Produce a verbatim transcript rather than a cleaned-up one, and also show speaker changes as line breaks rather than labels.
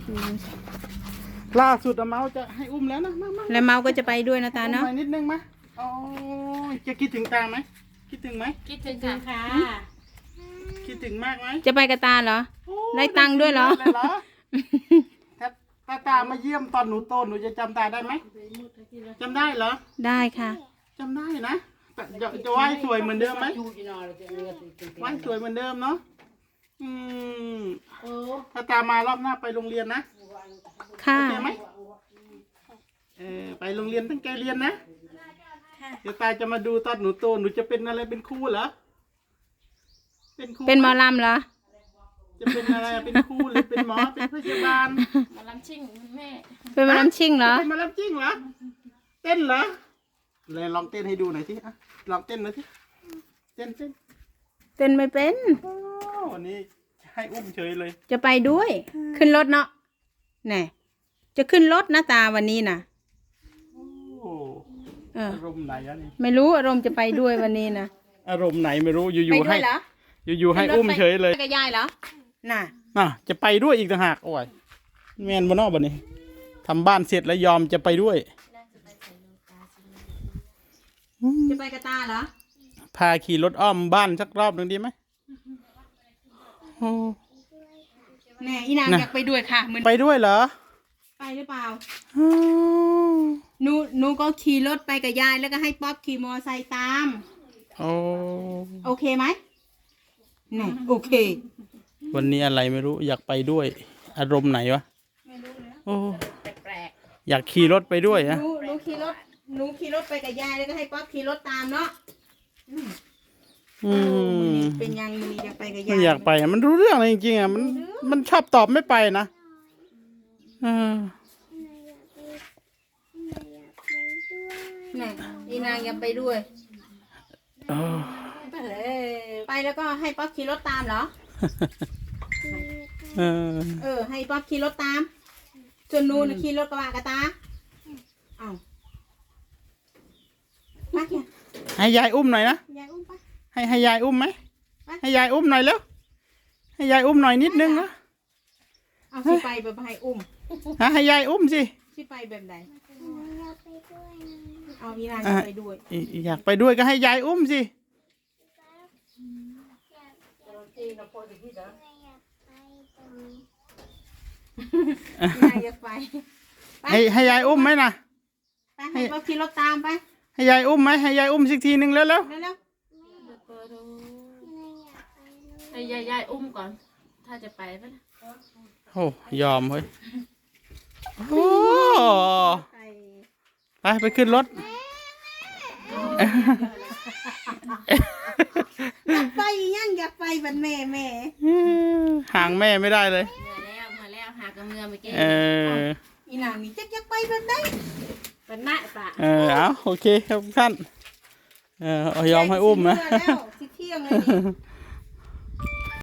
ล่าสุดอะเมาจะให้อุ้มแล้วนะมามา
แล้วเมาก็จะไปด้วยนะตาเนาะ
อุ้มไปนิดนึงไหมโอ้ยจะคิดถึงตาไหมคิดถึงไหม
คิดถึงค่ะ
คิดถึงมากไหม
จะไปกับตาเหรอ
โอ้
ได้ตังค์ด้วยเหรอ
ได้เหรอถ้าถ้าตามาเยี่ยมตอนหนูโตหนูจะจำตาได้ไหมจำได้เหรอ
ได้ค่ะ
จำได้นะแต่จะจะไหว้สวยเหมือนเดิมไหมไหว้สวยเหมือนเดิมเนาะอืมถ้าตามารอบหน้าไปโรงเรียนนะ
ค่ะ
โอเคไหมเออไปโรงเรียนตั้งใจเรียนนะเดี๋ยวตาจะมาดูตอนหนูโตหนูจะเป็นอะไรเป็นครูเหรอเป็นครู
เป็นหมอลำเหรอ
จะเป็นอะไรเป็นครูหรือเป็นหมอเป็นพยาบาล
มาลำชิ่งแม่
เป็นหมอลำชิ่งเหรอ
เป็นหมาแล้วจริงเหรอเต้นเหรอเลยลองเต้นให้ดูหน่อยสิอ่ะลองเต้นหน่อยสิเต้นเต้น
เต้นไม่เป็น
โอ้วันนี้ให้อุ้มเฉยเลย
จะไปด้วย ขึ้นรถเนาะแน่จะขึ้นรถนะตาวันนี้นะ
โอ้
เออ
อารมณ์ไหนอะนี่
ไม่รู้อารมณ์จะไปด้วยวันนี้นะ
อารมณ์ไหนไม่รู้อ
ไป
ยู่ๆ
ด้
ให้
วยเหรอ
อยู่ๆให้อุ้มเฉยเลย
ไปกับยายเหรอ น่ะ
น่ะจะไปด้วยอีกต่างหากโอ้ยแมนบนนอกบันนี้ทำบ้านเสร็จแล้วยอมจะไปด้วย
จะไปกับตาเหรอ
พาขี่รถอ้อมบ้านสักรอบหนึ่งดีไหมโอ้
แน่อีนาง
น่ะ
อยากไปด้วยค่ะเหมือน
ไปด้วยเหรอ
ไปหรือเปล่า
อ้าว
หนูหนูก็ขี่รถไปกับยายแล้วก็ให้ป๊อปขี่มอไซค์ตาม
โอ้
โอเคไหมแน่โอเค
วันนี้อะไรไม่รู้อยากไปด้วย อารมณ์ไหนวะ
ไม่รู้แล้ว
โอ้
แปลก
อยากขี่รถไปด้วย
ห
นะ
นูหนูขี่รถหนูขี่รถไปกับยายแล้วก็ให้ป๊อปขี่รถตามเนาะ
อืม
เป็นยังมือนี้อยากไปกับยาย
ไม่อยากไปอะมันรู้เรื่องอะไรจริงๆอ่ะมันมันชอบตอบไม่ไปนะเออ
แน่อีนางอยากไปด้วย
เออ
ไปเลยไปแล้วก็ให้ป๊อปขี่รถตามเหรอ
เออ
เออ ให้ป๊อปขี่รถตามส่วนหนูน่ะขี่รถกระบะกับตาเอ้ามาเขียน
ให้ยายอุ้มหน่อยนะ
ยายอุ้มไป
ให้ให้ยายอุ้มไหม
ไป
ให้ยายอุ้มหน่อยแล้วให้ยายอุ้มหน่อยนิดนึงนะ
เอาสิไปแบบให้อุ้ม
ฮะให้ยายอุ้มสิ
สิไปแบบไหนเอาอีนาง
อ่ะ
ไปด้วย
อีอยากไปด้วยก็ให้ยายอุ้มสิ
อีนางอยากไปไป
ให้ให้ยายอุ้มไหมนะ
ไปให้ป๊อปขี่รถตามไป
ให้ยายอุ้มไหมให้ยายอุ้มสักทีหนึ่งแล้วแล้ว
เร็ว
ๆให้ยายยายอุ้มก่อน ถ้าจะไปปะนะ
โอ้ยอมเฮ้ยโอ้
ๆไป
ไปไปขึ้นรถ
อยากไปยังอยากไปบันแม่แม่
ห่างแม่ไม่ได้เลย
เมื่อแล้วเมื่อแล้วหากระเมือเมื่อกี้
เออ
อีนางนี่จักอยากไปแบบไหน
เป็นหน้าปะ
เออเอาโอเคครับท่าน เออเอายอมให้อุ้มนะ
เชื่แล้วสิเที่ยงเลยนี่